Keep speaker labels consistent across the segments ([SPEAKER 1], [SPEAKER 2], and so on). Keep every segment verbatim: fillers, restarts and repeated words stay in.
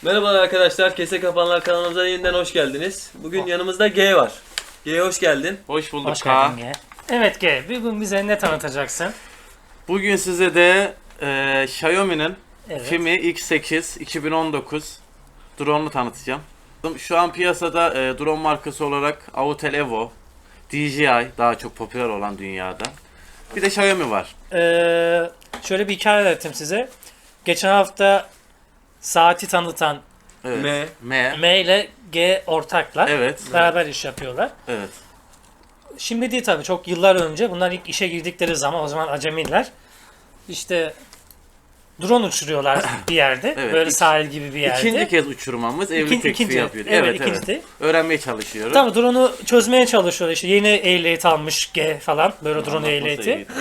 [SPEAKER 1] Merhabalar arkadaşlar, Kese Kapanlar kanalımıza yeniden hoş geldiniz. Bugün yanımızda G var. G hoş geldin.
[SPEAKER 2] Hoş bulduk
[SPEAKER 3] Hoş
[SPEAKER 2] K.
[SPEAKER 3] geldin G. Evet G, bugün bize ne tanıtacaksın?
[SPEAKER 2] Bugün size de e, Xiaomi'nin
[SPEAKER 3] Evet.
[SPEAKER 2] Fimi X sekiz iki bin on dokuz drone'unu tanıtacağım. Şu an piyasada e, drone markası olarak Autel Evo, D J I daha çok popüler olan dünyada. Bir de Xiaomi var.
[SPEAKER 3] Ee, şöyle bir hikaye anlatayım size. Geçen hafta saati tanıtan
[SPEAKER 2] Evet.
[SPEAKER 1] M.
[SPEAKER 2] M.
[SPEAKER 3] M ile G ortaklar.
[SPEAKER 2] Evet.
[SPEAKER 3] Beraber iş yapıyorlar.
[SPEAKER 2] Evet.
[SPEAKER 3] Şimdi değil tabii, çok yıllar önce. Bunlar ilk işe girdikleri zaman, o zaman acemiler. İşte drone uçuruyorlar bir yerde.
[SPEAKER 2] Evet,
[SPEAKER 3] Böyle
[SPEAKER 2] iki-
[SPEAKER 3] sahil gibi bir yerde.
[SPEAKER 2] İkinci kez uçurmamız evlilik
[SPEAKER 3] İkinci-
[SPEAKER 2] teklifi
[SPEAKER 3] ikinci.
[SPEAKER 2] yapıyor.
[SPEAKER 3] Evet,
[SPEAKER 2] Evet,
[SPEAKER 3] ikinci
[SPEAKER 2] evet.
[SPEAKER 3] de.
[SPEAKER 2] Öğrenmeye çalışıyoruz.
[SPEAKER 3] Tabii drone'u çözmeye çalışıyorlar. İşte yeni ehliyet almış G falan. Böyle drone
[SPEAKER 2] Anlatması
[SPEAKER 3] ehliyeti.
[SPEAKER 2] iyi.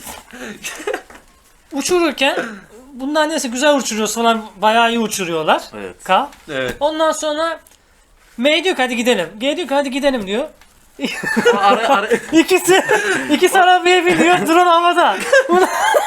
[SPEAKER 3] Uçururken bunlar neyse güzel uçuruyoruz falan, bayağı iyi uçuruyorlar.
[SPEAKER 2] Evet.
[SPEAKER 3] K.
[SPEAKER 1] Evet.
[SPEAKER 3] Ondan sonra M diyor ki hadi gidelim. G diyor ki hadi gidelim diyor.
[SPEAKER 2] Ara, ara,
[SPEAKER 3] İkisi ikisi arabaya biniyor, drone havada. Bunu-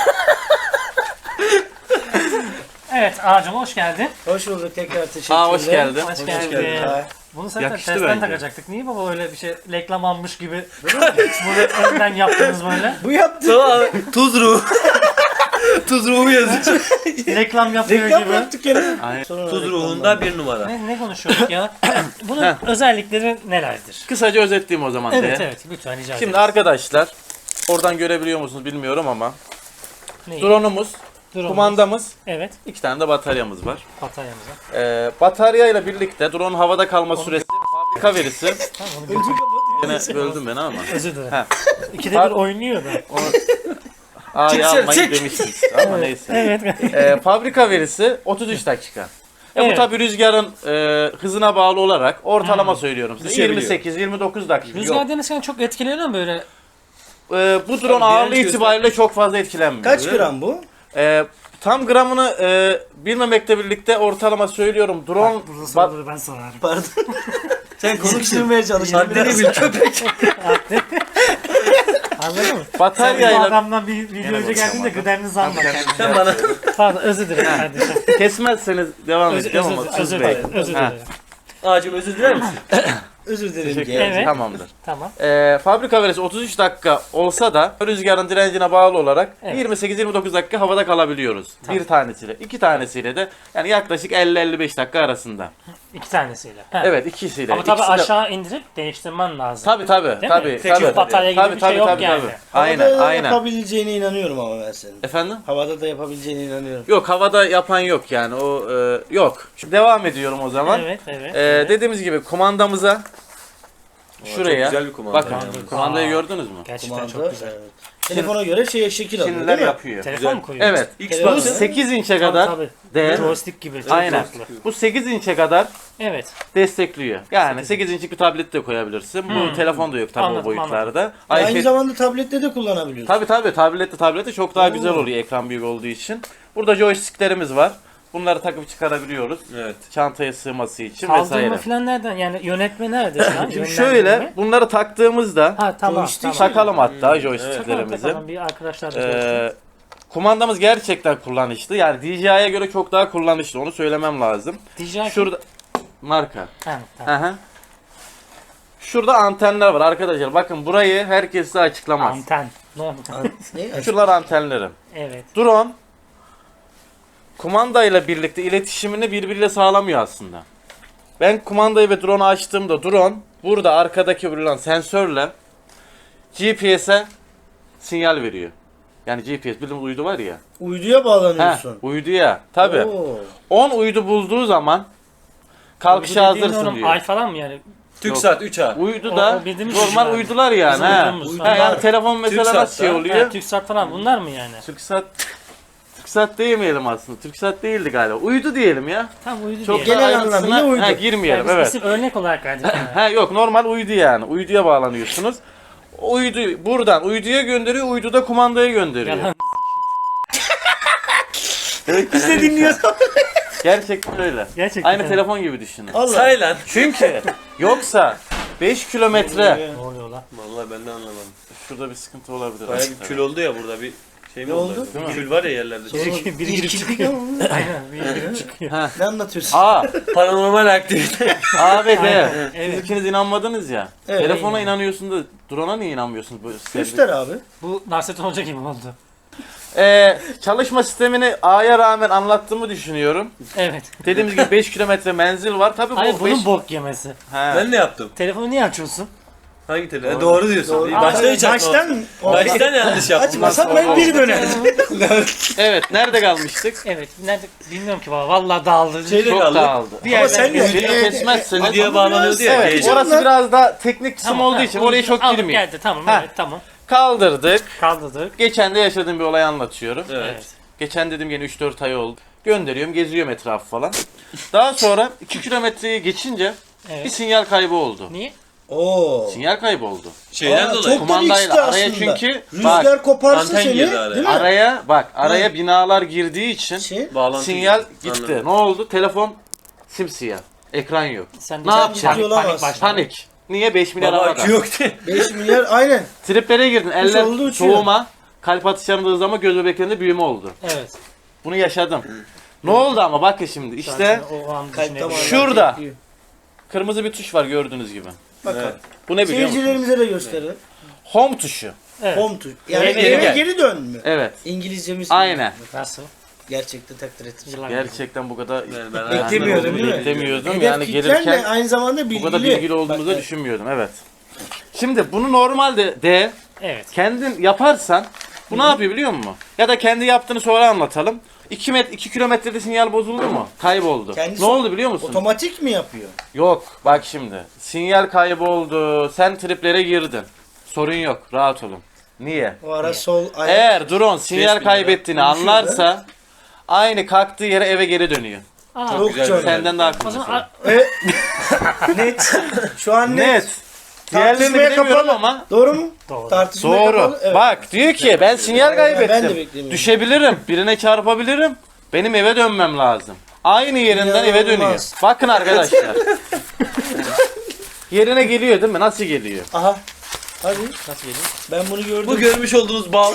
[SPEAKER 3] Evet ağacım, hoş geldin.
[SPEAKER 4] Hoş bulduk, tekrar teşekkürler.
[SPEAKER 2] Aa, hoş geldin.
[SPEAKER 3] Hoş,
[SPEAKER 4] Hoş
[SPEAKER 3] geldin.
[SPEAKER 4] geldin. Ha.
[SPEAKER 3] Bunu zaten
[SPEAKER 2] Yakıştı
[SPEAKER 3] testten
[SPEAKER 2] bence.
[SPEAKER 3] takacaktık. Niye baba öyle bir şey reklam almış gibi böyle önden yaptınız böyle?
[SPEAKER 4] Bu yaptı.
[SPEAKER 1] Tamam, tuz ruhu. Tuz ruhu yazıyor.
[SPEAKER 3] Reklam yapıyor
[SPEAKER 4] Reklam
[SPEAKER 3] gibi.
[SPEAKER 4] yaptık ya.
[SPEAKER 2] Aynen.
[SPEAKER 4] Sonra
[SPEAKER 1] Tuz
[SPEAKER 4] reklamdan.
[SPEAKER 1] ruhunda bir numara.
[SPEAKER 3] Ne, ne konuşuyorduk ya? Bunun özellikleri nelerdir?
[SPEAKER 2] Kısaca özetleyeyim o zaman.
[SPEAKER 3] Evet
[SPEAKER 2] de.
[SPEAKER 3] evet lütfen rica
[SPEAKER 2] Şimdi
[SPEAKER 3] ederim.
[SPEAKER 2] arkadaşlar, oradan görebiliyor musunuz bilmiyorum ama
[SPEAKER 3] Neyi?
[SPEAKER 2] drone'umuz,
[SPEAKER 3] Drone'umuz.
[SPEAKER 2] kumandamız,
[SPEAKER 3] Evet,
[SPEAKER 2] iki tane de bataryamız var.
[SPEAKER 3] bataryamıza.
[SPEAKER 2] Ee, bataryayla birlikte drone havada kalma süresi, fabrika verisi.
[SPEAKER 3] Tamam, onu bir-
[SPEAKER 2] Yine böldüm beni ama.
[SPEAKER 3] özür dilerim.
[SPEAKER 2] Ha.
[SPEAKER 3] İkide bir oynuyor da.
[SPEAKER 2] Onu A'yı
[SPEAKER 1] Çıksın,
[SPEAKER 2] almayı
[SPEAKER 1] çık.
[SPEAKER 2] demişsiniz ama neyse.
[SPEAKER 3] Evet.
[SPEAKER 2] Ee, fabrika verisi otuz üç dakika. E bu
[SPEAKER 3] Evet.
[SPEAKER 2] tabi rüzgarın e, hızına bağlı olarak ortalama söylüyorum size.
[SPEAKER 1] Düşebiliyor.
[SPEAKER 2] yirmi sekiz yirmi dokuz dakika.
[SPEAKER 3] Rüzgar
[SPEAKER 2] Yok.
[SPEAKER 3] denizken çok etkileniyor mu böyle?
[SPEAKER 2] Ee, bu drone
[SPEAKER 1] Tabii,
[SPEAKER 2] ağırlığı
[SPEAKER 1] direnç
[SPEAKER 2] itibariyle çok fazla etkilenmiyor.
[SPEAKER 4] Kaç gram bu?
[SPEAKER 2] Ee, tam gramını e, bilmemekle birlikte ortalama söylüyorum. Drone ba-
[SPEAKER 3] ben sorarım.
[SPEAKER 4] Pardon.
[SPEAKER 1] Sen konuştun.
[SPEAKER 4] Sıkıştırmaya çalıştım
[SPEAKER 1] Haddini
[SPEAKER 4] biraz.
[SPEAKER 1] bil köpek.
[SPEAKER 3] Anladın mı? Sen bu
[SPEAKER 2] bataryayla
[SPEAKER 3] adamdan bir video önce geldin de gıdemini zanma kendini.
[SPEAKER 1] Sen bana.
[SPEAKER 3] Pardon, özür dilerim kardeşim.
[SPEAKER 2] kesmezseniz devam
[SPEAKER 3] Özür,
[SPEAKER 2] edeceğim
[SPEAKER 3] özür,
[SPEAKER 2] ama
[SPEAKER 3] özür
[SPEAKER 2] Tuz Bey.
[SPEAKER 3] dilerim. Özür
[SPEAKER 2] Ha.
[SPEAKER 3] dilerim.
[SPEAKER 1] Ağacım özür diler misin?
[SPEAKER 4] Özür dilerim.
[SPEAKER 2] Teşekkür
[SPEAKER 4] G.
[SPEAKER 2] ederim.
[SPEAKER 3] Evet.
[SPEAKER 2] Tamamdır.
[SPEAKER 3] Tamam.
[SPEAKER 2] Ee, fabrika verisi otuz üç dakika olsa da rüzgarın direncine bağlı olarak
[SPEAKER 3] Evet.
[SPEAKER 2] yirmi sekiz yirmi dokuz dakika havada kalabiliyoruz.
[SPEAKER 3] Tamam.
[SPEAKER 2] Bir tanesiyle. İki tanesiyle de yani yaklaşık elli elli beş dakika arasında.
[SPEAKER 3] İki tanesiyle. Ha.
[SPEAKER 2] Evet, ikisiyle.
[SPEAKER 3] Ama tabii
[SPEAKER 2] İkisi de-
[SPEAKER 3] aşağı indirip değiştirmen lazım.
[SPEAKER 2] Tabii tabii.
[SPEAKER 3] Değil mi?
[SPEAKER 2] Tabii
[SPEAKER 3] Tek
[SPEAKER 2] tabii.
[SPEAKER 3] batarya gibi
[SPEAKER 2] Tabii
[SPEAKER 3] bir şey
[SPEAKER 2] tabii
[SPEAKER 3] yok
[SPEAKER 2] tabii.
[SPEAKER 3] yani.
[SPEAKER 2] tabii.
[SPEAKER 4] Havada
[SPEAKER 2] Aynen
[SPEAKER 4] da
[SPEAKER 2] aynen.
[SPEAKER 4] yapabileceğine inanıyorum ama ben senin.
[SPEAKER 2] Efendim?
[SPEAKER 4] Havada da yapabileceğine inanıyorum.
[SPEAKER 2] Yok, havada yapan yok yani o e, yok. Şimdi devam ediyorum o zaman.
[SPEAKER 3] Evet evet.
[SPEAKER 2] Ee,
[SPEAKER 3] evet.
[SPEAKER 2] Dediğimiz gibi kumandamıza şuraya
[SPEAKER 1] Çok güzel bir kumanda.
[SPEAKER 2] bakın.
[SPEAKER 1] yani.
[SPEAKER 2] Kumandayı
[SPEAKER 3] Aa.
[SPEAKER 2] gördünüz mü?
[SPEAKER 3] Gerçekten
[SPEAKER 4] Kumanda.
[SPEAKER 3] çok güzel.
[SPEAKER 4] Evet. Telefona göre şeye şekil alıyor
[SPEAKER 2] Şimdiler
[SPEAKER 4] değil mi?
[SPEAKER 2] yapıyor.
[SPEAKER 3] Telefon mu koyuyorsun?
[SPEAKER 2] Evet. Bu
[SPEAKER 1] Xbox.
[SPEAKER 2] sekiz inçe
[SPEAKER 3] Tabii,
[SPEAKER 2] kadar
[SPEAKER 3] tabii.
[SPEAKER 2] değer.
[SPEAKER 3] Joystick gibi. çok
[SPEAKER 2] Aynen.
[SPEAKER 3] farklı.
[SPEAKER 2] Bu sekiz inçe kadar
[SPEAKER 3] Evet.
[SPEAKER 2] destekliyor. Yani sekiz inçlik bir tablet de koyabilirsin. Bu
[SPEAKER 3] Hmm.
[SPEAKER 2] telefon da yok tabii
[SPEAKER 3] Anladım,
[SPEAKER 2] o boyutlarda.
[SPEAKER 4] Aynı
[SPEAKER 2] iPad
[SPEAKER 4] zamanda tablette de kullanabiliyorsun.
[SPEAKER 2] tabii tabii tablette tablette çok daha
[SPEAKER 4] Oo.
[SPEAKER 2] güzel oluyor ekran büyük olduğu için. Burada joysticklerimiz var. Bunları takıp çıkarabiliyoruz.
[SPEAKER 1] Evet.
[SPEAKER 2] Çantaya sığması için
[SPEAKER 3] Kaldırma
[SPEAKER 2] vesaire.
[SPEAKER 3] falan nereden? Yani yönetme nerede şu an?
[SPEAKER 2] Şimdi
[SPEAKER 3] Yönlendirme
[SPEAKER 2] şöyle
[SPEAKER 3] mi?
[SPEAKER 2] bunları taktığımızda
[SPEAKER 3] Ha tamam.
[SPEAKER 4] Joystick
[SPEAKER 3] tamam.
[SPEAKER 2] takalım hatta
[SPEAKER 3] Takalım,
[SPEAKER 2] joysticklerimizi.
[SPEAKER 3] takalım. Bir arkadaşlar da görsün.
[SPEAKER 2] Ee, kumandamız gerçekten kullanışlı. Yani D J I'ye göre çok daha kullanışlı. Onu söylemem lazım.
[SPEAKER 3] D J I
[SPEAKER 2] Şurada marka.
[SPEAKER 3] Ha, tamam.
[SPEAKER 2] Hı hı. Şurada antenler var arkadaşlar. Bakın burayı herkes size açıklamaz.
[SPEAKER 3] Anten. Ne oldu?
[SPEAKER 4] Ne?
[SPEAKER 2] Şuralar antenlerim.
[SPEAKER 3] Evet.
[SPEAKER 2] Drone kumandayla birlikte iletişimini birbiriyle sağlamıyor aslında. Ben kumandayı ve drone'u açtığımda drone burada arkadaki bulunan sensörle G P S'e sinyal veriyor. Yani G P S bildiğimiz uydu var ya.
[SPEAKER 4] Uyduya
[SPEAKER 2] Heh,
[SPEAKER 4] bağlanıyorsun.
[SPEAKER 2] uyduya. Tabi.
[SPEAKER 4] Oo.
[SPEAKER 2] on uydu bulduğu zaman kalkışa
[SPEAKER 3] Bu dediğin
[SPEAKER 2] hazırsın
[SPEAKER 3] oğlum
[SPEAKER 2] diyor.
[SPEAKER 3] Ay falan mı yani?
[SPEAKER 1] TürkSat üç A.
[SPEAKER 2] Uydu
[SPEAKER 3] O-
[SPEAKER 2] da
[SPEAKER 3] o bildiğimiz
[SPEAKER 2] normal
[SPEAKER 3] uydular.
[SPEAKER 2] uydular yani.
[SPEAKER 3] Bizim
[SPEAKER 2] He.
[SPEAKER 3] uydumuz.
[SPEAKER 2] He, yani telefon mesela
[SPEAKER 1] TürkSat'ta,
[SPEAKER 2] nasıl şey
[SPEAKER 3] Ha,
[SPEAKER 2] oluyor?
[SPEAKER 3] TürkSat falan bunlar mı yani?
[SPEAKER 2] TürkSat TürkSat demeyelim aslında. TürkSat değildi galiba. Uydu diyelim ya.
[SPEAKER 3] Tam uydu
[SPEAKER 2] Çok
[SPEAKER 3] diye.
[SPEAKER 4] Genel
[SPEAKER 2] ayrıntısına-
[SPEAKER 4] anlamıyla uydu.
[SPEAKER 2] He, girmeyelim
[SPEAKER 3] Yani biz
[SPEAKER 2] evet.
[SPEAKER 3] isim örnek olarak verdik. yani.
[SPEAKER 2] Ha yok normal uydu yani. Uyduya bağlanıyorsunuz. Uydu buradan uyduya gönderiyor, uydu da kumandaya gönderiyor.
[SPEAKER 3] Yalan.
[SPEAKER 4] Biz de dinliyoruz.
[SPEAKER 2] Gerçekten öyle.
[SPEAKER 3] Gerçekten.
[SPEAKER 2] Aynı telefon gibi düşünün.
[SPEAKER 4] Allah.
[SPEAKER 1] Say lan.
[SPEAKER 2] Çünkü yoksa beş kilometre
[SPEAKER 3] Ne oluyor lan?
[SPEAKER 1] Vallahi ben de anlamadım.
[SPEAKER 2] şurada bir sıkıntı olabilir.
[SPEAKER 1] Bayağı bir kül oldu ya burada bir Şey mi
[SPEAKER 4] Ne
[SPEAKER 1] oldu?
[SPEAKER 4] oldu?
[SPEAKER 2] Değil mi?
[SPEAKER 1] Kül var ya yerlerde.
[SPEAKER 4] Sonra
[SPEAKER 3] Biri- biri girip
[SPEAKER 4] irkildik
[SPEAKER 3] çıkıyor.
[SPEAKER 4] ama.
[SPEAKER 3] Aynen. Bir girip çıkıyor.
[SPEAKER 4] Ne anlatıyorsun?
[SPEAKER 2] A,
[SPEAKER 1] Paranormal aktivite.
[SPEAKER 2] A ve D.
[SPEAKER 3] Aynen,
[SPEAKER 2] Siz
[SPEAKER 3] evet.
[SPEAKER 2] ikiniz inanmadınız ya.
[SPEAKER 4] Evet.
[SPEAKER 2] Telefona inanıyorsun da drone'a niye inanmıyorsunuz? Bu
[SPEAKER 4] Göster abi.
[SPEAKER 3] Bu Nasrettin Hoca gibi oldu.
[SPEAKER 2] Ee, çalışma sistemini A'ya rağmen anlattığımı düşünüyorum.
[SPEAKER 3] Evet.
[SPEAKER 2] Dediğimiz gibi beş kilometre menzil var. Tabii
[SPEAKER 3] Hayır
[SPEAKER 2] bu
[SPEAKER 3] bunun
[SPEAKER 2] beş...
[SPEAKER 3] bok yemesi.
[SPEAKER 1] Ben ne yaptım?
[SPEAKER 3] Telefonu niye açıyorsun?
[SPEAKER 1] Hangi telefon?
[SPEAKER 2] Doğru.
[SPEAKER 1] Doğru, diyorsun.
[SPEAKER 4] Doğru.
[SPEAKER 1] İyi, Başta hiç açmadım.
[SPEAKER 4] Baştan,
[SPEAKER 1] Baştan yanlış yaptım.
[SPEAKER 4] açmasak ben bir dönerdim.
[SPEAKER 2] Evet, nerede kalmıştık?
[SPEAKER 3] Evet. Nerede bilmiyorum ki valla. Vallahi dağıldı.
[SPEAKER 1] Şeyde
[SPEAKER 2] Çok
[SPEAKER 1] kaldı.
[SPEAKER 2] dağıldı.
[SPEAKER 3] Bir
[SPEAKER 4] Ama
[SPEAKER 3] yerden
[SPEAKER 4] sen
[SPEAKER 3] bir-
[SPEAKER 4] de-
[SPEAKER 2] Beni
[SPEAKER 4] e, e,
[SPEAKER 2] kesmezseniz...
[SPEAKER 1] Videoya
[SPEAKER 4] Ama
[SPEAKER 1] bağlanıyordu ya.
[SPEAKER 2] Evet,
[SPEAKER 1] heyecan.
[SPEAKER 2] orası biraz daha teknik kısım
[SPEAKER 3] Tamam,
[SPEAKER 2] olduğu
[SPEAKER 3] ha,
[SPEAKER 2] için
[SPEAKER 3] onu
[SPEAKER 2] oraya çok
[SPEAKER 3] aldık
[SPEAKER 2] girmeyeyim.
[SPEAKER 3] geldi tamam
[SPEAKER 2] Ha.
[SPEAKER 3] evet tamam.
[SPEAKER 2] Kaldırdık.
[SPEAKER 3] Kaldırdık.
[SPEAKER 2] Geçen de yaşadığım bir olayı anlatıyorum.
[SPEAKER 1] Evet.
[SPEAKER 3] Evet.
[SPEAKER 2] Geçen dedim gene üç dört ay oldu. Gönderiyorum, geziyorum etrafı falan. Daha sonra iki kilometreyi geçince bir
[SPEAKER 3] Evet.
[SPEAKER 2] sinyal kaybı oldu.
[SPEAKER 3] Niye?
[SPEAKER 4] Oo.
[SPEAKER 2] Sinyal kaybı oldu.
[SPEAKER 1] Şeyden
[SPEAKER 4] Aa,
[SPEAKER 1] dolayı.
[SPEAKER 4] çok-
[SPEAKER 2] Kumandayla
[SPEAKER 4] işte
[SPEAKER 2] araya
[SPEAKER 4] aslında.
[SPEAKER 2] çünkü
[SPEAKER 4] Rüzgar
[SPEAKER 2] bak
[SPEAKER 4] koparsa
[SPEAKER 1] anten
[SPEAKER 4] seni,
[SPEAKER 1] girdi araya.
[SPEAKER 4] değil mi?
[SPEAKER 2] araya bak araya
[SPEAKER 4] Evet.
[SPEAKER 2] binalar girdiği için
[SPEAKER 4] Şey,
[SPEAKER 1] Bağlantı
[SPEAKER 2] sinyal
[SPEAKER 1] gibi.
[SPEAKER 2] gitti.
[SPEAKER 1] Anladım.
[SPEAKER 2] Ne oldu? Telefon simsiyah. Ekran yok.
[SPEAKER 3] Sen
[SPEAKER 2] Ne yapacaksın?
[SPEAKER 3] Panik, panik
[SPEAKER 4] Olamaz.
[SPEAKER 3] başladı.
[SPEAKER 2] Panik. Niye beş milyar
[SPEAKER 1] Baba
[SPEAKER 2] havada?
[SPEAKER 1] akü yoktu.
[SPEAKER 4] beş milyar aynen.
[SPEAKER 2] Triplere girdin.
[SPEAKER 4] olduğu
[SPEAKER 2] Eller
[SPEAKER 4] uçuyor.
[SPEAKER 2] soğuma. Kalp atışlarında hızlama, göz bebeklerinde büyüme oldu.
[SPEAKER 3] Evet.
[SPEAKER 2] Bunu yaşadım. Ne oldu ama bakın şimdi işte
[SPEAKER 3] Zaten o an
[SPEAKER 4] Kalp
[SPEAKER 3] düşünebilirim.
[SPEAKER 4] damarları
[SPEAKER 2] Şurada.
[SPEAKER 4] bekliyor.
[SPEAKER 2] kırmızı bir tuş var gördüğünüz gibi.
[SPEAKER 4] Bakalım.
[SPEAKER 1] Evet.
[SPEAKER 2] Bu ne biliyor musunuz?
[SPEAKER 4] Seyircilerimize de gösterelim.
[SPEAKER 2] Home tuşu.
[SPEAKER 3] Evet.
[SPEAKER 4] Home tuş. Yani
[SPEAKER 1] Eve
[SPEAKER 4] eve
[SPEAKER 1] geri
[SPEAKER 4] geri,
[SPEAKER 1] gel.
[SPEAKER 4] dön mü?
[SPEAKER 2] Evet.
[SPEAKER 4] İngilizcemiz.
[SPEAKER 2] Aynen.
[SPEAKER 3] Nasıl?
[SPEAKER 4] Gerçekten takdir ettim.
[SPEAKER 3] Yıllar gibi.
[SPEAKER 2] Gerçekten bu kadar
[SPEAKER 1] Yani ben
[SPEAKER 4] Beklemiyordum,
[SPEAKER 1] hayatımda
[SPEAKER 4] değil mi?
[SPEAKER 2] beklemiyordum.
[SPEAKER 4] Hedef
[SPEAKER 2] Yani
[SPEAKER 4] kitlen
[SPEAKER 2] gelirken
[SPEAKER 4] de aynı zamanda bilgili.
[SPEAKER 2] bu kadar bilgili olduğumuzu
[SPEAKER 4] Bak,
[SPEAKER 2] da düşünmüyordum. Evet. Şimdi bunu normalde de
[SPEAKER 3] Evet.
[SPEAKER 2] kendin yaparsan bu ne yapıyor biliyor musun? Ya da kendi yaptığını sonra anlatalım. iki met iki kilometrede sinyal bozuldu mu? Kayboldu.
[SPEAKER 4] Kendisi
[SPEAKER 2] ne oldu biliyor musun?
[SPEAKER 4] Otomatik mi yapıyor?
[SPEAKER 2] Yok. Bak şimdi. Sinyal kayboldu. Sen triplere girdin. Sorun yok. Rahat olun. Niye?
[SPEAKER 4] O ara sol ayak.
[SPEAKER 2] Eğer drone sinyal
[SPEAKER 1] beş bin
[SPEAKER 2] kaybettiğini
[SPEAKER 4] lira.
[SPEAKER 2] anlarsa aynı kalktığı yere eve geri dönüyor.
[SPEAKER 3] Aa,
[SPEAKER 4] Çok
[SPEAKER 1] güzel
[SPEAKER 4] çok.
[SPEAKER 1] bir-
[SPEAKER 2] Senden daha
[SPEAKER 3] o
[SPEAKER 2] akıllısı.
[SPEAKER 3] zaman a-
[SPEAKER 4] Evet. net. Şu an net.
[SPEAKER 2] Net. Diğerlerini
[SPEAKER 4] Tartışmaya
[SPEAKER 2] bilemiyorum
[SPEAKER 4] kapalı.
[SPEAKER 2] ama
[SPEAKER 4] Doğru mu?
[SPEAKER 3] doğru.
[SPEAKER 4] Tartışmaya
[SPEAKER 2] doğru.
[SPEAKER 4] kapalı. Evet.
[SPEAKER 2] Bak diyor ki ben sinyal
[SPEAKER 4] Ben de
[SPEAKER 2] kaybettim.
[SPEAKER 4] beklemiyorum.
[SPEAKER 2] Düşebilirim. Birine çarpabilirim. Benim eve dönmem lazım. Aynı yerinden eve dönüyor.
[SPEAKER 4] İnanılmaz.
[SPEAKER 2] Bakın arkadaşlar. Yerine geliyor değil mi? Nasıl geliyor?
[SPEAKER 4] Aha. Hadi.
[SPEAKER 3] Nasıl geliyor?
[SPEAKER 4] Ben bunu gördüm.
[SPEAKER 1] Bu görmüş olduğunuz bal.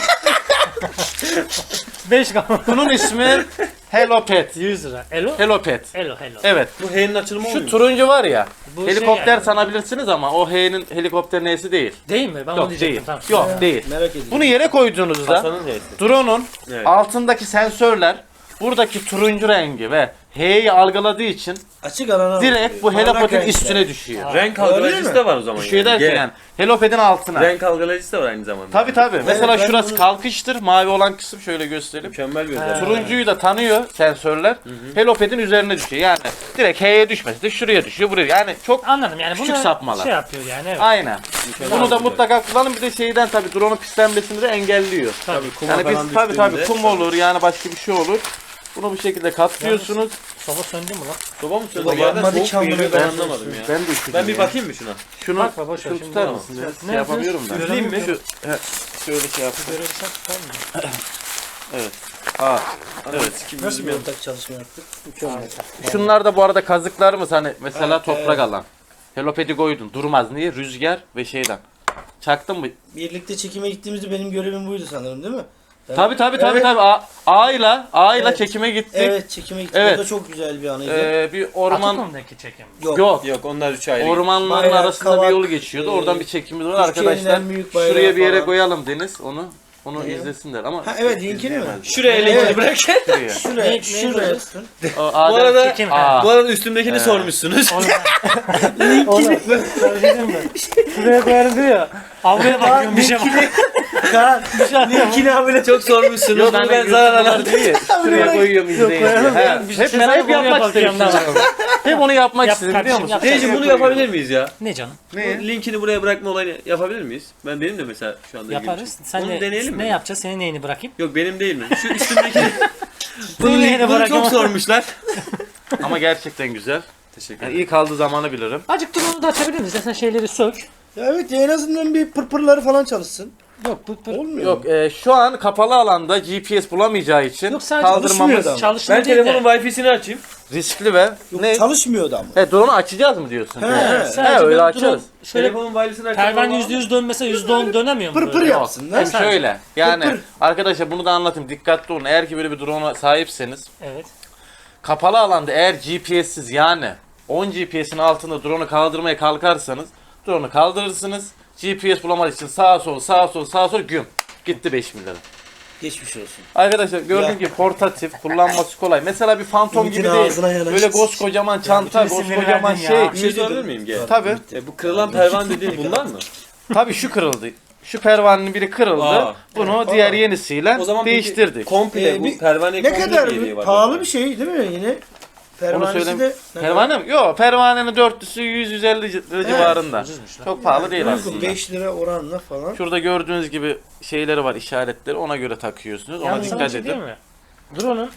[SPEAKER 3] beş kaldı.
[SPEAKER 2] Bunun ismi Hello Pet.
[SPEAKER 3] yüz lira. Elo?
[SPEAKER 2] Hello Pet.
[SPEAKER 3] Elo hello.
[SPEAKER 2] Evet.
[SPEAKER 1] Bu H'nin açılımı
[SPEAKER 2] Şu
[SPEAKER 1] olmuyor.
[SPEAKER 2] turuncu var ya.
[SPEAKER 3] Bu
[SPEAKER 2] helikopter
[SPEAKER 3] şey yani.
[SPEAKER 2] sanabilirsiniz ama o H'nin helikopter nesi değil.
[SPEAKER 3] Değil mi? Ben onu
[SPEAKER 2] Yok
[SPEAKER 3] diyecektim.
[SPEAKER 2] değil.
[SPEAKER 3] Tamam.
[SPEAKER 2] Yok değil.
[SPEAKER 4] Merak ediyorum.
[SPEAKER 2] Bunu yere koyduğunuzda
[SPEAKER 1] Hasan'ın H'si.
[SPEAKER 2] drone'un
[SPEAKER 1] Evet.
[SPEAKER 2] altındaki sensörler buradaki turuncu rengi ve H'yi algıladığı için
[SPEAKER 4] Açık alana
[SPEAKER 2] direkt bu
[SPEAKER 4] bakıyor.
[SPEAKER 2] Hello
[SPEAKER 4] Parlak
[SPEAKER 2] Pet'in
[SPEAKER 4] renkler.
[SPEAKER 2] üstüne düşüyor.
[SPEAKER 1] Renk
[SPEAKER 4] Olabilir
[SPEAKER 1] algılayıcısı
[SPEAKER 4] mi?
[SPEAKER 1] da var o zaman.
[SPEAKER 2] Düşüyor
[SPEAKER 1] yani.
[SPEAKER 2] derken
[SPEAKER 1] G.
[SPEAKER 2] yani Hello Pet'in altına.
[SPEAKER 1] Renk algılayıcısı da var aynı zamanda.
[SPEAKER 2] Tabi tabi. Mesela
[SPEAKER 4] ben
[SPEAKER 2] şurası
[SPEAKER 4] bunu-
[SPEAKER 2] kalkıştır. Mavi olan kısım şöyle göstereyim.
[SPEAKER 1] Mükemmel bir
[SPEAKER 3] Ha.
[SPEAKER 1] özellik.
[SPEAKER 2] Turuncuyu da tanıyor sensörler. Hello Pet'in üzerine düşüyor. Yani direkt H'ye düşmesi de şuraya düşüyor buraya. Yani çok
[SPEAKER 3] Anladım yani
[SPEAKER 2] Küçük
[SPEAKER 3] bunu
[SPEAKER 2] sapmalar.
[SPEAKER 3] şey yapıyor yani evet.
[SPEAKER 2] aynen.
[SPEAKER 1] Mükemmel
[SPEAKER 2] Bunu da
[SPEAKER 1] bir
[SPEAKER 2] mutlaka kullanın. Bir de şeyden tabi drone'un pislenmesini de engelliyor.
[SPEAKER 1] Tabii kuma
[SPEAKER 2] Yani
[SPEAKER 1] falan
[SPEAKER 2] biz tabi tabi
[SPEAKER 1] düştüğünde-
[SPEAKER 2] kum olur yani başka bir şey olur. Bunu bu şekilde katlıyorsunuz.
[SPEAKER 3] Soba söndü mü lan?
[SPEAKER 1] Soba mı söyledi?
[SPEAKER 4] Soba
[SPEAKER 1] Bir yerden
[SPEAKER 4] yanmadı
[SPEAKER 1] soğuk
[SPEAKER 4] ki amına
[SPEAKER 1] geliyor, ben
[SPEAKER 4] koyayım.
[SPEAKER 1] anlamadım ya.
[SPEAKER 2] Ben de üşüdüm
[SPEAKER 1] Ben bir
[SPEAKER 2] ya.
[SPEAKER 1] bakayım mı şuna?
[SPEAKER 2] Şunu,
[SPEAKER 3] Bakma, boş ver,
[SPEAKER 2] şunu
[SPEAKER 3] şimdi
[SPEAKER 2] tutar
[SPEAKER 3] tamam.
[SPEAKER 2] mısın?
[SPEAKER 3] Ne
[SPEAKER 2] Şey
[SPEAKER 3] yapıyorsun?
[SPEAKER 2] yapamıyorum ben.
[SPEAKER 1] Üfleyeyim mi?
[SPEAKER 2] Şu, he, şöyle şey yapayım.
[SPEAKER 3] Böyle bir şey tutar mı?
[SPEAKER 2] Evet. Aa,
[SPEAKER 1] Evet. Kim
[SPEAKER 4] Nasıl bir
[SPEAKER 1] bilmiyorum.
[SPEAKER 4] ortak çalışma yaptık? Mükemmel.
[SPEAKER 2] şunlar da bu arada kazıklarımız hani mesela
[SPEAKER 4] Evet,
[SPEAKER 2] toprak
[SPEAKER 4] evet.
[SPEAKER 2] alan. Hello Pet'i koydun. Durmaz. Niye? Rüzgar ve şeyden. Çaktın mı?
[SPEAKER 4] Birlikte çekime gittiğimizde benim görevim buydu sanırım değil mi? Ben-
[SPEAKER 2] Tabi tabi tabi
[SPEAKER 4] Evet.
[SPEAKER 2] tabi. A- A'yla A'yla
[SPEAKER 4] Evet.
[SPEAKER 2] çekime gittik.
[SPEAKER 4] Evet çekime gittik.
[SPEAKER 2] Evet.
[SPEAKER 4] O da çok güzel bir anıydı.
[SPEAKER 2] Ee, bir orman
[SPEAKER 3] Atokum'daki çekim.
[SPEAKER 4] Yok.
[SPEAKER 2] yok.
[SPEAKER 1] Yok onlar üç ayrı.
[SPEAKER 2] Ormanların
[SPEAKER 4] Bayrak,
[SPEAKER 2] arasında bir
[SPEAKER 4] kavak,
[SPEAKER 2] yolu geçiyordu.
[SPEAKER 4] e,
[SPEAKER 2] Oradan bir çekimimiz var
[SPEAKER 4] Türkiye'nin
[SPEAKER 2] arkadaşlar.
[SPEAKER 4] en büyük bayrağı
[SPEAKER 2] Şuraya bir yere
[SPEAKER 4] falan.
[SPEAKER 2] koyalım Deniz onu. Onu
[SPEAKER 4] Ne?
[SPEAKER 2] izlesinler ama
[SPEAKER 4] Ha evet linkini mi?
[SPEAKER 1] Şuraya
[SPEAKER 4] Evet.
[SPEAKER 1] linkini bırak.
[SPEAKER 2] şuraya.
[SPEAKER 4] Şuraya,
[SPEAKER 3] Ne- ne
[SPEAKER 4] şuraya
[SPEAKER 3] koyacağız?
[SPEAKER 4] tutun.
[SPEAKER 2] O Adem-
[SPEAKER 1] Bu arada,
[SPEAKER 3] Çekim.
[SPEAKER 2] Aa.
[SPEAKER 1] bu arada üstümdekini
[SPEAKER 2] Ee.
[SPEAKER 1] sormuşsunuz.
[SPEAKER 3] Onu Söyledim mi? Şuraya koyarım diyor ya. Avluya bakıyorum bir şey var.
[SPEAKER 4] Kaan,
[SPEAKER 3] Bir şey atıyor.
[SPEAKER 4] linkini abone
[SPEAKER 1] Çok sormuşsunuz.
[SPEAKER 2] Yok
[SPEAKER 1] Bunu
[SPEAKER 2] hani
[SPEAKER 1] ben zarar
[SPEAKER 2] YouTube'lar
[SPEAKER 1] alamadım.
[SPEAKER 2] diyor ya, şuraya koyuyorum izleyin diye.
[SPEAKER 4] koyalım.
[SPEAKER 2] He,
[SPEAKER 3] Bir şey
[SPEAKER 2] Hep ben hep
[SPEAKER 3] konuya
[SPEAKER 2] yapmak istedim.
[SPEAKER 3] bakıyorum da.
[SPEAKER 2] Hep onu yapmak
[SPEAKER 3] Yap
[SPEAKER 2] istedim biliyor
[SPEAKER 3] kardeşim,
[SPEAKER 2] musun?
[SPEAKER 3] yap.
[SPEAKER 1] Teyzeciğim bunu yapabilir miyiz ya?
[SPEAKER 3] Ne canım?
[SPEAKER 2] Ne?
[SPEAKER 1] Bu linkini buraya bırakma olayını yapabilir miyiz? Ben benim de mesela şu anda ilgimi
[SPEAKER 3] Yaparız.
[SPEAKER 1] çekti.
[SPEAKER 3] Sen
[SPEAKER 1] Onu
[SPEAKER 3] de
[SPEAKER 1] deneyelim
[SPEAKER 3] ne
[SPEAKER 1] mi?
[SPEAKER 3] yapacağız? Senin neyini bırakayım?
[SPEAKER 1] Yok benim değil mi? Şu üstümdekini. bunu,
[SPEAKER 3] Senin neyini
[SPEAKER 1] bunu
[SPEAKER 3] bırakayım?
[SPEAKER 1] çok sormuşlar.
[SPEAKER 2] Ama gerçekten güzel.
[SPEAKER 1] Teşekkür
[SPEAKER 2] Yani
[SPEAKER 1] ederim.
[SPEAKER 2] iyi kaldığı zamanı bilirim.
[SPEAKER 3] Azıcık dur onu da açabilir miyiz? Sen şeyleri sök.
[SPEAKER 4] Ya evet ya en azından bir pırpırları falan çalışsın.
[SPEAKER 3] Yok pır pır.
[SPEAKER 4] Olmuyor.
[SPEAKER 2] Yok e, şu an kapalı alanda G P S bulamayacağı için
[SPEAKER 3] Yok, sadece
[SPEAKER 2] kaldırmamız
[SPEAKER 4] çalışmıyor da.
[SPEAKER 3] Çalışmıyor
[SPEAKER 1] Ben
[SPEAKER 3] değil de.
[SPEAKER 1] telefonun Wi-Fi'sini açayım.
[SPEAKER 2] riskli ve
[SPEAKER 4] Yok,
[SPEAKER 2] ne?
[SPEAKER 4] çalışmıyordu ama.
[SPEAKER 2] He drone'u açacağız mı diyorsun?
[SPEAKER 4] He.
[SPEAKER 2] He,
[SPEAKER 3] Sadece
[SPEAKER 2] öyle
[SPEAKER 3] böyle
[SPEAKER 2] açarız.
[SPEAKER 3] drone şöyle
[SPEAKER 1] Telefonun Wi-Fi'sini açayım.
[SPEAKER 3] pervane yüzde yüz dönmese yüzde on dönemiyor mu?
[SPEAKER 4] Pır pır
[SPEAKER 3] böyle?
[SPEAKER 4] yapsın lan.
[SPEAKER 2] Hem şöyle yani
[SPEAKER 4] Pır pır.
[SPEAKER 2] arkadaşlar bunu da anlatayım, dikkatli olun. Eğer ki böyle bir drone'a sahipseniz
[SPEAKER 3] Evet.
[SPEAKER 2] kapalı alanda eğer G P S'siz yani on G P S'in altında drone'u kaldırmaya kalkarsanız drone'u kaldırırsınız. G P S bulamadığı için sağa sol sağa sol sağa sol güm gitti beş bin lira.
[SPEAKER 4] Geçmiş olsun.
[SPEAKER 2] Arkadaşlar gördüğün
[SPEAKER 4] Ya.
[SPEAKER 2] gibi portatif, kullanması kolay. Mesela bir Phantom
[SPEAKER 4] Ümit'in
[SPEAKER 2] gibi değil.
[SPEAKER 4] ağzına yanaştı.
[SPEAKER 2] Böyle koskocaman çanta,
[SPEAKER 3] bütün isimleri
[SPEAKER 2] koskocaman
[SPEAKER 3] verdin
[SPEAKER 2] şey.
[SPEAKER 3] ya.
[SPEAKER 1] Bir şey sorabilir miyim G?
[SPEAKER 2] Tabii.
[SPEAKER 1] E, bu kırılan pervane dediğin bunlar mı?
[SPEAKER 2] Tabii şu kırıldı. Şu pervanenin biri kırıldı.
[SPEAKER 1] Aa.
[SPEAKER 2] Bunu
[SPEAKER 4] Evet.
[SPEAKER 2] diğer
[SPEAKER 4] Aa.
[SPEAKER 2] yenisiyle
[SPEAKER 1] O zaman peki
[SPEAKER 2] değiştirdik.
[SPEAKER 1] komple
[SPEAKER 4] Ee,
[SPEAKER 1] bu
[SPEAKER 4] bir-
[SPEAKER 1] pervaneye
[SPEAKER 4] Ne
[SPEAKER 1] komple
[SPEAKER 4] kadar
[SPEAKER 1] bir yediği var.
[SPEAKER 4] pahalı bir şey değil mi yine?
[SPEAKER 2] Onu
[SPEAKER 4] Pervanesi
[SPEAKER 2] söyleyeyim.
[SPEAKER 4] de ne
[SPEAKER 2] Pervane mi? Yok, pervanenin dörtlüsü yüz yüz elli lira civarında.
[SPEAKER 3] Ucuzmuş lan.
[SPEAKER 2] Çok pahalı değil
[SPEAKER 4] kadar?
[SPEAKER 2] aslında.
[SPEAKER 4] beş lira oranla falan.
[SPEAKER 2] Şurada gördüğünüz gibi şeyleri var, işaretleri. Ona göre takıyorsunuz. Ona
[SPEAKER 3] Yalnız sana bir
[SPEAKER 2] dikkat
[SPEAKER 3] şey
[SPEAKER 2] edin.
[SPEAKER 3] diyeyim mi? Drone'un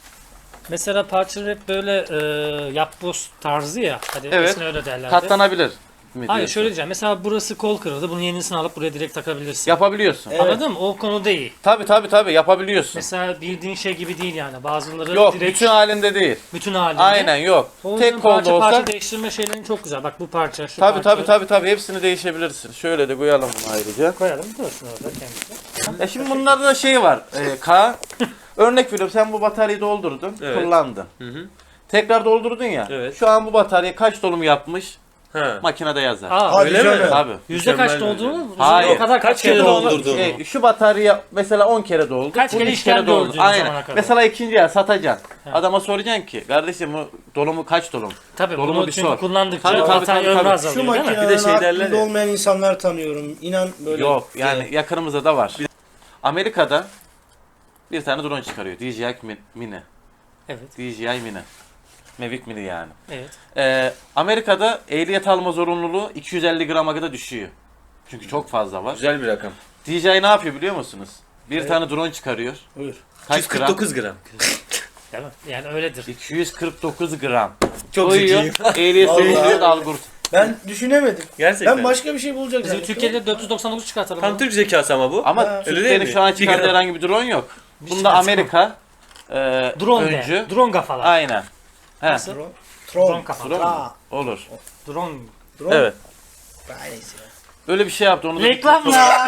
[SPEAKER 3] mesela parçaları hep böyle e, yapboz tarzı ya. Hadi
[SPEAKER 2] Evet.
[SPEAKER 3] eskiden öyle derlerdi.
[SPEAKER 2] Katlanabilir mi
[SPEAKER 3] Hayır
[SPEAKER 2] diyorsun?
[SPEAKER 3] şöyle diyeceğim. Mesela burası kol kırıldı. Bunun yenisini alıp buraya direkt takabilirsin.
[SPEAKER 2] Yapabiliyorsun.
[SPEAKER 4] Evet.
[SPEAKER 3] Anladın mı? O konuda iyi.
[SPEAKER 2] Tabii tabii tabii yapabiliyorsun.
[SPEAKER 3] Mesela bildiğin şey gibi değil yani. Bazıları
[SPEAKER 2] Yok,
[SPEAKER 3] direkt
[SPEAKER 2] bütün halinde değil.
[SPEAKER 3] bütün halinde.
[SPEAKER 2] Aynen yok.
[SPEAKER 3] O yüzden
[SPEAKER 2] Tek kolda
[SPEAKER 3] parça
[SPEAKER 2] olsa
[SPEAKER 3] parça değiştirme şeylerin çok güzel. Bak bu parça, şu
[SPEAKER 2] tabii
[SPEAKER 3] parça.
[SPEAKER 2] tabii tabii tabii hepsini değişebilirsin. Şöyle de koyalım bunu ayrıca.
[SPEAKER 3] Koyalım dursun orada kendisi.
[SPEAKER 2] Ya şimdi bunlarda da şey var. E, K örnek veriyorum, sen bu bataryayı doldurdun,
[SPEAKER 1] Evet.
[SPEAKER 2] kullandın.
[SPEAKER 1] Hı hı.
[SPEAKER 2] Tekrar doldurdun ya.
[SPEAKER 1] Evet.
[SPEAKER 2] Şu an bu batarya kaç dolum yapmış?
[SPEAKER 1] Ha.
[SPEAKER 2] Makinede yazar.
[SPEAKER 3] Aa,
[SPEAKER 4] Hadi
[SPEAKER 1] öyle mi?
[SPEAKER 4] canım.
[SPEAKER 2] Tabii.
[SPEAKER 3] yüzde kaç
[SPEAKER 1] Mükemmel
[SPEAKER 3] dolduğunu
[SPEAKER 2] Hayır.
[SPEAKER 3] o kadar kaç,
[SPEAKER 1] Kaç
[SPEAKER 3] kere
[SPEAKER 1] kere
[SPEAKER 3] doldu.
[SPEAKER 1] doldurdu?
[SPEAKER 2] Şey, şu batarya mesela on kere doldu.
[SPEAKER 3] Kaç
[SPEAKER 2] bunun
[SPEAKER 3] kere
[SPEAKER 2] üç
[SPEAKER 3] işlem gördü o
[SPEAKER 2] Aynen.
[SPEAKER 3] zamana kadar?
[SPEAKER 2] Mesela ikinci el satacaksın.
[SPEAKER 3] He.
[SPEAKER 2] Adama soracaksın ki kardeşim bu dolumu kaç dolum?
[SPEAKER 3] Tabii
[SPEAKER 2] Dolumu
[SPEAKER 3] bunu
[SPEAKER 2] bir
[SPEAKER 3] çünkü
[SPEAKER 2] sor.
[SPEAKER 3] kullandıkça
[SPEAKER 2] Tabii, tabii,
[SPEAKER 3] batarya
[SPEAKER 2] tabii,
[SPEAKER 3] ömrü
[SPEAKER 2] tabii.
[SPEAKER 3] azalıyor
[SPEAKER 4] Şu
[SPEAKER 3] değil mi?
[SPEAKER 4] makinelerin
[SPEAKER 1] Bir de şey derler
[SPEAKER 4] aklında
[SPEAKER 1] ya.
[SPEAKER 4] olmayan insanlar tanıyorum. İnan böyle.
[SPEAKER 2] Yok yani yakınımızda da var. Amerika'da bir tane drone çıkarıyor. D J I Mini.
[SPEAKER 3] Evet,
[SPEAKER 2] D J I Mini. Mavic Mini yani.
[SPEAKER 3] evet.
[SPEAKER 2] Ee, Amerika'da ehliyet alma zorunluluğu iki yüz elli grama kadar düşüyor. Çünkü çok fazla var.
[SPEAKER 1] Güzel bir rakam.
[SPEAKER 2] D J I ne yapıyor biliyor musunuz? Bir
[SPEAKER 4] Evet.
[SPEAKER 2] tane drone çıkarıyor.
[SPEAKER 4] Buyur.
[SPEAKER 2] Kaç
[SPEAKER 1] yüz kırk dokuz gram.
[SPEAKER 3] Değil mi? Yani öyledir.
[SPEAKER 2] iki yüz kırk dokuz gram.
[SPEAKER 1] Çok
[SPEAKER 2] Koyuyor.
[SPEAKER 1] zekiyim.
[SPEAKER 2] Ehliyet
[SPEAKER 4] Vallahi.
[SPEAKER 2] ehliyet algurt.
[SPEAKER 4] Ben düşünemedim.
[SPEAKER 1] Gerçekten.
[SPEAKER 4] Ben başka bir şey bulacak
[SPEAKER 3] Bizim
[SPEAKER 4] zannettim.
[SPEAKER 3] Türkiye'de dört yüz doksan dokuz çıkartalım.
[SPEAKER 1] Tam Türk zekası ama bu.
[SPEAKER 2] Ama
[SPEAKER 4] Ha,
[SPEAKER 1] öyle değil
[SPEAKER 2] Türkiye'nin
[SPEAKER 1] mi?
[SPEAKER 2] şu an
[SPEAKER 1] Bir
[SPEAKER 2] çıkardığı
[SPEAKER 1] gram.
[SPEAKER 2] herhangi bir drone yok. Bunda
[SPEAKER 3] çıkartma.
[SPEAKER 2] Amerika e,
[SPEAKER 3] Drone
[SPEAKER 2] öncü.
[SPEAKER 3] de. Drone kafalar.
[SPEAKER 2] Aynen. He,
[SPEAKER 3] Nasıl?
[SPEAKER 4] Drone.
[SPEAKER 3] Drone
[SPEAKER 4] Tron.
[SPEAKER 3] kafalar.
[SPEAKER 2] drone mu?
[SPEAKER 4] Aa,
[SPEAKER 2] Olur.
[SPEAKER 3] Drone.
[SPEAKER 4] drone.
[SPEAKER 2] Evet.
[SPEAKER 4] Neyse ya.
[SPEAKER 2] Öyle bir şey yaptı. Onu da
[SPEAKER 3] Reklamlar.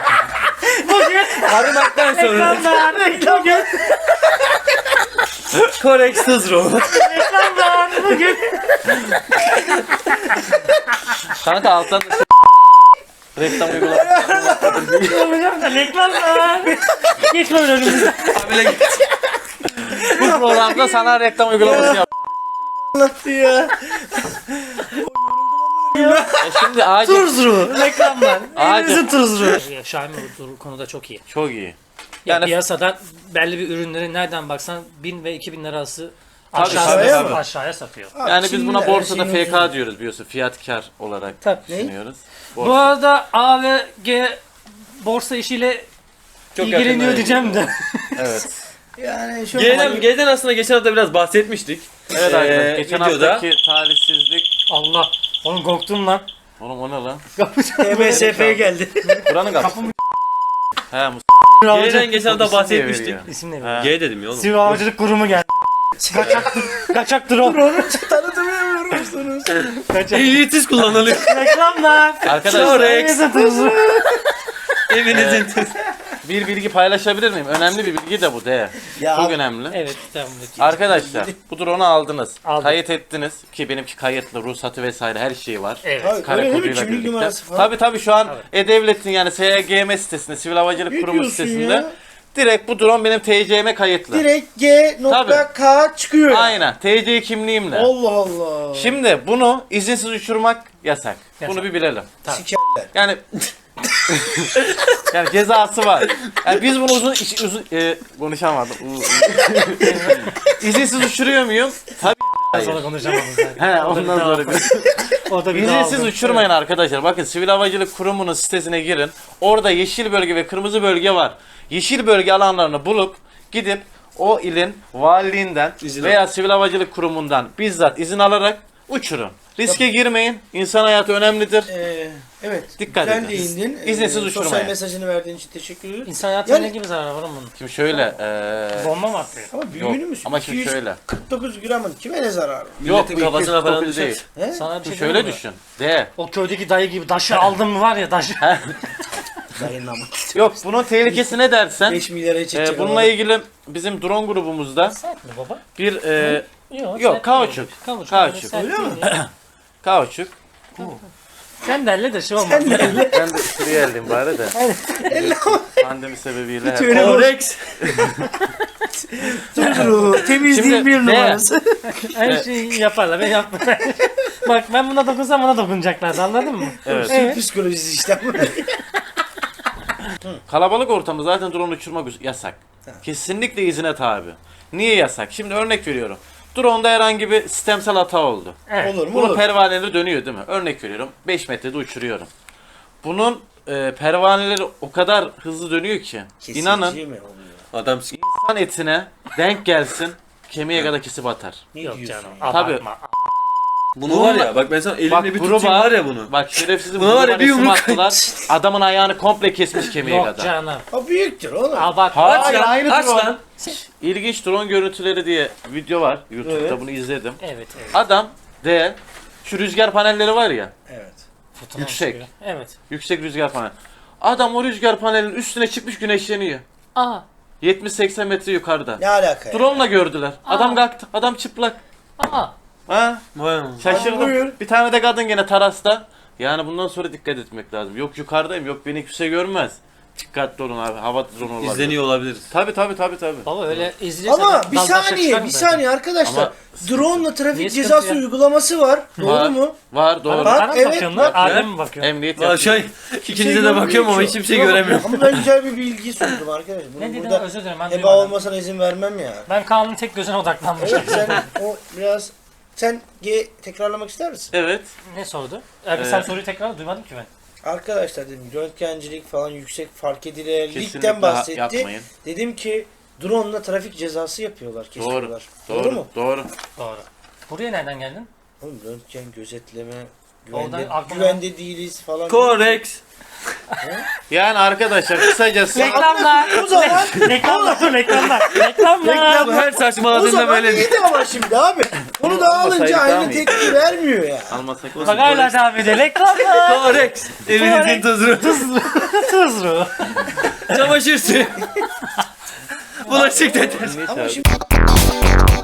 [SPEAKER 3] Bugün
[SPEAKER 1] Aramaktan sonra
[SPEAKER 3] reklamlar. Bugün
[SPEAKER 1] Korex Tuzro.
[SPEAKER 3] reklamlar. Bugün.
[SPEAKER 2] Kanka alttan da reklam uygulaması.
[SPEAKER 3] Yapacağım da reklamlar. Geç böyle önümüzde.
[SPEAKER 2] Bu programda sana reklam uygulaması yap.
[SPEAKER 4] Anlattı ya.
[SPEAKER 2] E şimdi acil.
[SPEAKER 3] Tuzru. Reklamlar.
[SPEAKER 2] Acil.
[SPEAKER 3] Elimizin tuzru. Xiaomi bu konuda çok iyi.
[SPEAKER 2] Çok iyi.
[SPEAKER 3] Yani
[SPEAKER 2] Yani
[SPEAKER 3] piyasadan belli bir ürünleri nereden baksan bin ve iki bin lira arası
[SPEAKER 2] Tabii,
[SPEAKER 3] aşağıya,
[SPEAKER 4] tabii.
[SPEAKER 3] aşağıya satıyor.
[SPEAKER 2] yani biz
[SPEAKER 4] Şimdi
[SPEAKER 2] buna
[SPEAKER 4] her
[SPEAKER 2] borsada
[SPEAKER 4] şeyin
[SPEAKER 2] F K
[SPEAKER 4] ucuzu.
[SPEAKER 2] diyoruz biliyorsun. Fiyat kar olarak
[SPEAKER 3] Tabii.
[SPEAKER 4] Ne?
[SPEAKER 2] düşünüyoruz.
[SPEAKER 3] Bu arada A ve G borsa işiyle
[SPEAKER 1] Çok
[SPEAKER 3] ilgileniyor
[SPEAKER 1] yakında.
[SPEAKER 3] diyeceğim de.
[SPEAKER 2] Evet.
[SPEAKER 4] Yani şu
[SPEAKER 1] G'den, G'den aslında geçen hafta biraz bahsetmiştik.
[SPEAKER 2] Evet
[SPEAKER 1] Ee,
[SPEAKER 2] arkadaşlar. Geçen
[SPEAKER 1] videoda-
[SPEAKER 2] haftaki talihsizlik.
[SPEAKER 3] Allah. Oğlum korktum lan.
[SPEAKER 2] Oğlum o ne lan?
[SPEAKER 4] T B S F'ye geldi.
[SPEAKER 2] Buranın kapısı. He Mustafa
[SPEAKER 1] G'den geçen hafta
[SPEAKER 2] isim diye
[SPEAKER 1] bahsetmiştik.
[SPEAKER 2] veriyor.
[SPEAKER 3] İsim ne?
[SPEAKER 2] Ha.
[SPEAKER 1] G dedim ya oğlum.
[SPEAKER 3] Sivri Havacılık Kurumu geldi. Kaçak, kaçak drone.
[SPEAKER 4] Tanıtamıyor musunuz?
[SPEAKER 3] Kaçak.
[SPEAKER 1] Ehliyetsiz kullanılıyor.
[SPEAKER 3] Reklamlar.
[SPEAKER 2] Arkadaşlar
[SPEAKER 3] Elimizin tuzru.
[SPEAKER 1] Evinizin.
[SPEAKER 2] bir bilgi paylaşabilir miyim? Önemli bir bilgi de bu de.
[SPEAKER 4] Ya
[SPEAKER 2] Çok
[SPEAKER 4] abi,
[SPEAKER 2] önemli.
[SPEAKER 3] Evet tamam.
[SPEAKER 2] Arkadaşlar bu drone'u aldınız.
[SPEAKER 3] Aldım.
[SPEAKER 2] Kayıt ettiniz ki benimki kayıtlı, ruhsatı vesaire her şeyi var.
[SPEAKER 3] Evet.
[SPEAKER 4] Tabii,
[SPEAKER 2] Kare
[SPEAKER 4] öyle değil mi?
[SPEAKER 2] koduyla
[SPEAKER 4] Kimlik
[SPEAKER 2] birlikte.
[SPEAKER 4] numarası falan.
[SPEAKER 2] Tabii tabii şu an
[SPEAKER 3] Tabii.
[SPEAKER 2] E-Devlet'in yani S G M sitesinde, Sivil Havacılık
[SPEAKER 4] Ne
[SPEAKER 2] Kurumu
[SPEAKER 4] diyorsun
[SPEAKER 2] sitesinde
[SPEAKER 4] ya?
[SPEAKER 2] direkt bu drone benim T C'me kayıtlı.
[SPEAKER 4] Direkt G nokta K çıkıyor.
[SPEAKER 2] Aynen. T C kimliğimle.
[SPEAKER 4] Allah Allah.
[SPEAKER 2] Şimdi bunu izinsiz uçurmak yasak.
[SPEAKER 3] Yasak.
[SPEAKER 2] Bunu bir bilelim.
[SPEAKER 4] Sikerler.
[SPEAKER 2] Yani yani cezası var. Yani biz bunu uzun iş- uzun e, konuşamadım. U- u- İzinsiz uçuruyor muyum? Tabii.
[SPEAKER 3] Sonra
[SPEAKER 2] Hayır.
[SPEAKER 3] konuşamadım zaten.
[SPEAKER 2] He ondan sonra bir.
[SPEAKER 3] O da bir
[SPEAKER 2] İzinsiz
[SPEAKER 3] daha
[SPEAKER 2] uçurmayın arkadaşlar. Bakın Sivil Havacılık Kurumu'nun sitesine girin. Orada yeşil bölge ve kırmızı bölge var. Yeşil bölge alanlarını bulup gidip o ilin valiliğinden
[SPEAKER 1] İzin
[SPEAKER 2] veya Sivil Havacılık Kurumu'ndan bizzat izin alarak uçurun. Riske girmeyin. İnsan hayatı önemlidir.
[SPEAKER 4] Ee, Evet.
[SPEAKER 2] Dikkat
[SPEAKER 4] güzel
[SPEAKER 2] edin.
[SPEAKER 4] değindin.
[SPEAKER 2] İzinsiz
[SPEAKER 4] Ee,
[SPEAKER 2] uçurmaya.
[SPEAKER 4] Sosyal mesajını verdiğin için teşekkür ederim.
[SPEAKER 3] İnsan hayatına
[SPEAKER 4] Yani-
[SPEAKER 3] ne gibi zarar var oğlum bunun?
[SPEAKER 2] Şimdi şöyle. eee
[SPEAKER 3] Bomba mı atlıyor?
[SPEAKER 4] Ama
[SPEAKER 2] yok
[SPEAKER 4] büyüğünü mü?
[SPEAKER 2] ama şimdi şöyle.
[SPEAKER 4] iki yüz kırk dokuz gramın kime ne zararı?
[SPEAKER 2] Yok
[SPEAKER 1] Milletin kafasına falan
[SPEAKER 2] değil.
[SPEAKER 1] düşer.
[SPEAKER 4] He?
[SPEAKER 3] Sana bir şey
[SPEAKER 2] Şimdi
[SPEAKER 3] diyeyim
[SPEAKER 2] şöyle
[SPEAKER 3] mi?
[SPEAKER 2] düşün. De.
[SPEAKER 3] O köydeki dayı gibi daşı aldım mı var ya daşı.
[SPEAKER 4] Dayanamam.
[SPEAKER 2] Yok bunun tehlikesi ne dersen.
[SPEAKER 4] beş milyara
[SPEAKER 2] eee,
[SPEAKER 4] çekecek.
[SPEAKER 2] bununla ilgili bizim drone grubumuzda
[SPEAKER 3] Sert mi baba?
[SPEAKER 2] bir eee
[SPEAKER 3] Yok,
[SPEAKER 2] Yok,
[SPEAKER 3] sert
[SPEAKER 2] kauçuk.
[SPEAKER 3] değil. Kauçuk.
[SPEAKER 2] Kauçuk.
[SPEAKER 3] Öyle sert
[SPEAKER 4] Öyle mi?
[SPEAKER 3] değil.
[SPEAKER 2] kauçuk.
[SPEAKER 3] Sen de elle de şey olmaz.
[SPEAKER 2] Ben de şuraya elim bari de. Pandemi sebebiyle. hep-
[SPEAKER 4] Öyle
[SPEAKER 1] Korex.
[SPEAKER 4] Temizliğin
[SPEAKER 2] Şimdi
[SPEAKER 4] bir
[SPEAKER 2] ne?
[SPEAKER 4] numarası.
[SPEAKER 3] Her şeyi yaparlar ben yapmam. Bak ben buna dokunsam bana dokunacaklar anladın mı?
[SPEAKER 2] Evet.
[SPEAKER 4] Türk psikolojisi işte.
[SPEAKER 2] Kalabalık ortamda zaten drone uçurmak yasak. Kesinlikle izine tabi. Niye yasak? Şimdi örnek veriyorum. Drone'da herhangi bir sistemsel hata oldu.
[SPEAKER 3] Evet.
[SPEAKER 4] Olur mu?
[SPEAKER 2] Bunun
[SPEAKER 4] Olur.
[SPEAKER 2] pervaneleri dönüyor değil mi? Örnek veriyorum. beş metrede uçuruyorum. Bunun e, pervaneleri o kadar hızlı dönüyor ki.
[SPEAKER 4] Kesici
[SPEAKER 2] İnanın
[SPEAKER 4] mi oluyor?
[SPEAKER 1] Adam s-
[SPEAKER 2] insan etine denk gelsin kemiğe kadar kesip atar.
[SPEAKER 4] Ne
[SPEAKER 3] Yok
[SPEAKER 4] diyorsun
[SPEAKER 3] canım.
[SPEAKER 4] ya?
[SPEAKER 2] Tabii.
[SPEAKER 3] Abartma.
[SPEAKER 1] bunu var ya bak ben sana elimle
[SPEAKER 2] Bak,
[SPEAKER 1] bir
[SPEAKER 2] gruba-
[SPEAKER 1] tutayım var ya bunu.
[SPEAKER 2] Bak şerefsizin
[SPEAKER 1] Buna var ya, bir
[SPEAKER 2] resim
[SPEAKER 1] yumruk-
[SPEAKER 2] attılar. Adamın ayağını komple kesmiş kemiğe
[SPEAKER 3] Yok
[SPEAKER 2] kadar.
[SPEAKER 3] canım.
[SPEAKER 4] O büyüktür oğlum.
[SPEAKER 3] Abartma.
[SPEAKER 2] Hayır,
[SPEAKER 1] Aç lan,
[SPEAKER 2] aynı
[SPEAKER 1] aç
[SPEAKER 2] drone.
[SPEAKER 1] lan.
[SPEAKER 2] İlginç drone görüntüleri diye video var. YouTube'da
[SPEAKER 4] Evet.
[SPEAKER 2] bunu izledim.
[SPEAKER 3] Evet evet.
[SPEAKER 2] Adam de şu rüzgar panelleri var ya.
[SPEAKER 4] Evet.
[SPEAKER 3] Fırtına
[SPEAKER 2] Yüksek.
[SPEAKER 3] çıkıyor. Evet.
[SPEAKER 2] Yüksek rüzgar panel. Adam o rüzgar panelinin üstüne çıkmış güneşleniyor.
[SPEAKER 3] Aa.
[SPEAKER 2] yetmiş seksen metre yukarıda.
[SPEAKER 4] Ne alaka ya?
[SPEAKER 2] Drone'la gördüler. Adam
[SPEAKER 3] Aa.
[SPEAKER 2] kalktı. Adam çıplak.
[SPEAKER 3] Aa.
[SPEAKER 2] Ha?
[SPEAKER 1] Vay anam.
[SPEAKER 4] Hadi
[SPEAKER 2] Şaşırdım.
[SPEAKER 4] buyur.
[SPEAKER 2] Bir tane de kadın gene terasta. Yani bundan sonra dikkat etmek lazım. Yok yukarıdayım. Yok beni kimse görmez. Dikkatli olun abi. Hava drone olabilir.
[SPEAKER 1] İzleniyor olabiliriz.
[SPEAKER 2] Tabi tabi tabi tabi.
[SPEAKER 3] Baba öyle izleyeceksen
[SPEAKER 4] Ama bir
[SPEAKER 3] daldaşa çıkar
[SPEAKER 4] saniye,
[SPEAKER 3] mı
[SPEAKER 4] bir
[SPEAKER 3] zaten?
[SPEAKER 4] saniye arkadaşlar.
[SPEAKER 2] Ama-
[SPEAKER 4] Drone'la trafik
[SPEAKER 3] Niye sıkıntı
[SPEAKER 4] cezası
[SPEAKER 3] ya?
[SPEAKER 4] uygulaması var. Doğru
[SPEAKER 2] Var.
[SPEAKER 4] mu?
[SPEAKER 2] Var doğru.
[SPEAKER 4] Bak,
[SPEAKER 3] Bana mı
[SPEAKER 4] evet,
[SPEAKER 3] bakıyorsun
[SPEAKER 4] bak.
[SPEAKER 3] lan? Adem mi bakıyor?
[SPEAKER 2] Emniyet
[SPEAKER 1] Valla
[SPEAKER 2] yapıyor.
[SPEAKER 1] şey ikinize de bakıyorum ama hiç kimseyi göremiyorum.
[SPEAKER 4] Ama ben güzel bir bilgi sundum arkadaşlar. Bunu
[SPEAKER 3] Ne dedin
[SPEAKER 4] burada
[SPEAKER 3] özür dilerim ben
[SPEAKER 4] heba
[SPEAKER 3] duymadım.
[SPEAKER 4] olmasına izin vermem ya.
[SPEAKER 3] Ben Kaan'ın tek gözüne odaklanmışım.
[SPEAKER 4] Evet sen o biraz sen G tekrarlamak ister misin?
[SPEAKER 2] Evet.
[SPEAKER 3] Ne sordu? Abi
[SPEAKER 2] Ee,
[SPEAKER 3] sen soruyu tekrar duymadım ki ben.
[SPEAKER 4] Arkadaşlar dedim röntgencilik falan yüksek fark
[SPEAKER 2] Kesinlikle
[SPEAKER 4] edilebilirlikten bahsetti.
[SPEAKER 2] yapmayın.
[SPEAKER 4] Dedim ki drone'la trafik cezası yapıyorlar,
[SPEAKER 2] Doğru.
[SPEAKER 4] kesiyorlar.
[SPEAKER 2] Doğru.
[SPEAKER 4] Doğru mu?
[SPEAKER 2] Doğru.
[SPEAKER 3] Doğru. Buraya nereden geldin?
[SPEAKER 4] Oğlum röntgen, gözetleme,
[SPEAKER 3] Oradan
[SPEAKER 4] güvende,
[SPEAKER 3] aklıma-
[SPEAKER 4] güvende değiliz falan.
[SPEAKER 1] Korex.
[SPEAKER 2] Yani arkadaşlar kısacası
[SPEAKER 3] Reklamlar.
[SPEAKER 4] O zaman
[SPEAKER 3] reklamlar. Reklamlar. Reklamlar.
[SPEAKER 1] Bu her
[SPEAKER 4] o
[SPEAKER 1] saçmaladığında
[SPEAKER 4] zaman
[SPEAKER 1] böyle
[SPEAKER 4] iyiydi ama şimdi abi. Onu da
[SPEAKER 2] olmasaydı
[SPEAKER 4] alınca
[SPEAKER 2] daha
[SPEAKER 4] aynı
[SPEAKER 2] mı iyi?
[SPEAKER 4] tepki vermiyor ya.
[SPEAKER 2] almasak
[SPEAKER 3] Bak hala devam ediyor. Reklamlar.
[SPEAKER 1] Korex. Evinizin tuzunu.
[SPEAKER 3] Tuzlu.
[SPEAKER 1] Çamaşır suyu. Bulaşık deterjanı.
[SPEAKER 4] Ama şimdi